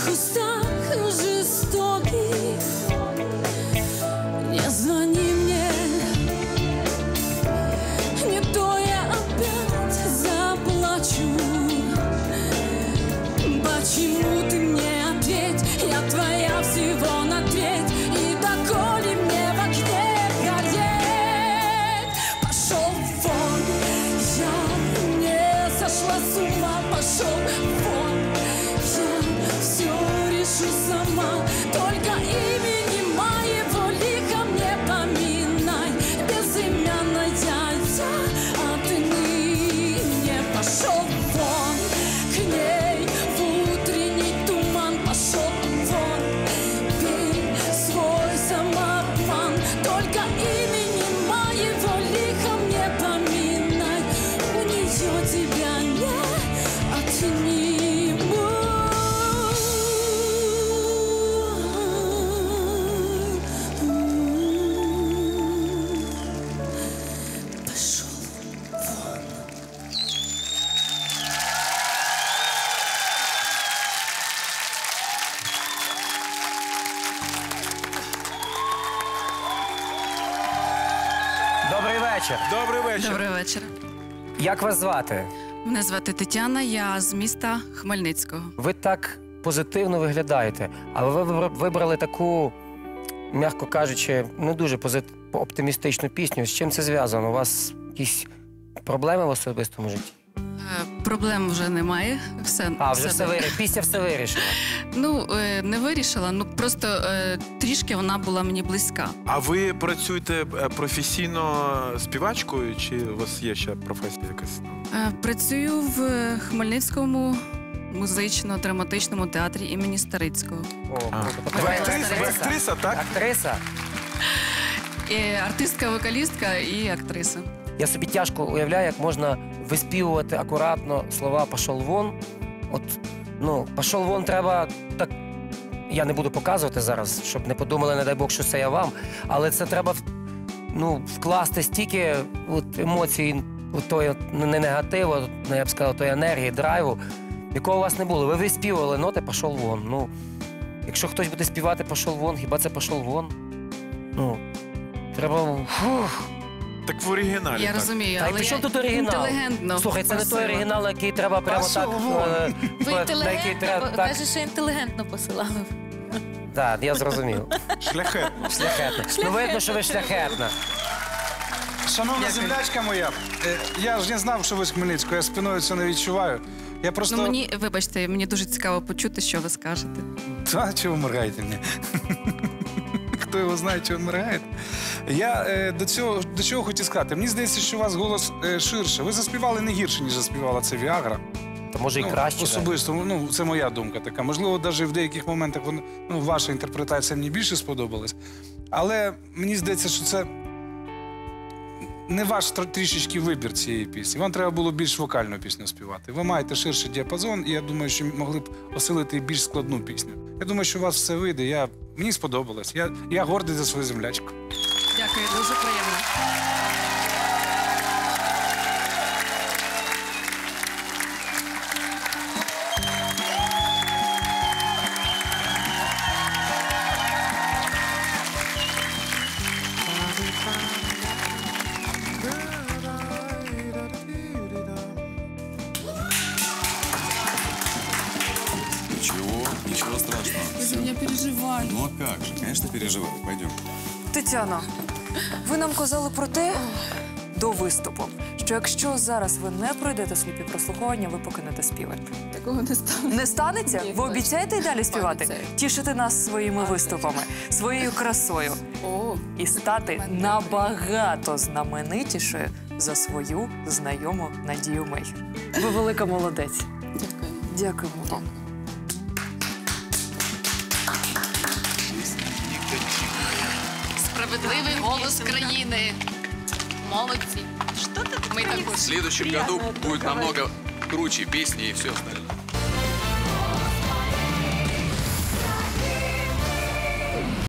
этих устах жестоких не звони мне, не то я опять заплачу. Почему ты мне ответь, я твоя всего на треть, и доколе мне в окне гореть. Пошел вон, я не сошла с ума, пошел вон, я все решу сама, только имени моего лиха мне поминай, безымянная я отныне. Пошел вон, к ней в утренний туман, пошел вон, пей свой самообман, только имени моего лиха мне поминай, у нее тебя не отниму. Пошел вон. Добрий вечір. Добрий вечір. Добрий вечір. Як вас звати? Мене звати Тетяна, я з міста Хмельницького. Ви так позитивно виглядаєте, але ви вибрали таку, м'яко кажучи, не дуже оптимістичну пісню. З чим це зв'язано? У вас якісь проблеми в особистому житті? Проблем вже немає. Пісня все вирішила. Ну, не вирішила, ну просто трішки вона була мені близька. А ви працюєте професійно співачкою, чи у вас є ще професія якась? Працюю в Хмельницькому музично-драматичному театрі імені Старицького. Ви актриса, так? Актриса? Артистка, вокалістка і актриса. Я собі тяжко уявляю, як можна виспівувати акуратно слова «пошел вон». От, ну, «пошел вон» треба так... Я не буду показувати зараз, щоб не подумали, не дай Бог, що це я вам. Але це треба, ну, вкласти стільки от, емоцій, от, тої, не негативу, я б сказав, тої енергії, драйву, якого у вас не було. Ви виспівували ноти «пошел вон». Ну, якщо хтось буде співати «пошел вон», хіба це «пошел вон»? Ну, треба... Так в оригіналі. Я так. розумію, Та й але при чому я тут оригінал? інтелігентно Слухай, це не той просила. оригінал, який треба прямо так... Ви інтелігентно, каже, що інтелігентно посилали. Так, я зрозумів. Шляхетно. Шляхетна. Ну, видно, що ви шляхетна. Шановна землячка моя, я ж не знав, що ви з Хмельницького, я спиною це не відчуваю. Я просто... Ну, мені, вибачте, мені дуже цікаво почути, що ви скажете. Та, чого ви моргаєте мені? Хто його знає, чого він моргає? Я до чого хотів сказати. Мені здається, що у вас голос ширше. Ви заспівали не гірше, ніж заспівала це Віагра. То може і краще. Особисто, ну, це моя думка така. Можливо, навіть в деяких моментах ваша інтерпретація мені більше сподобалась. Але мені здається, що це не ваш трішечки вибір цієї пісні. Вам треба було більш вокальну пісню співати. Ви маєте ширший діапазон, і я думаю, що могли б осилити більш складну пісню. Я думаю, що у вас все вийде. Мені сподобалось. Я гордий за свою землячку. Дякую, дуже приємно. Ничего страшного. Ви за мене переживаєте. Ну а как же, конечно, переживаю. Пойдем. Тетяно, ви нам казали про те до виступу, що якщо зараз ви не пройдете сліпі прослуховування, ви покинете співати. Такого не станеться. Не станеться? Ні, Ви обіцяєте й далі співати? Обіцяю. Тішити нас своїми виступами, своєю красою О, і стати набагато знаменитішою за свою знайому Надію Мейхер. Ви велика молодець. дякую. Дякуємо вам. Справедливий голос країни. Молодці. Ми також. В следующем году будет намного круче песни и все остальное.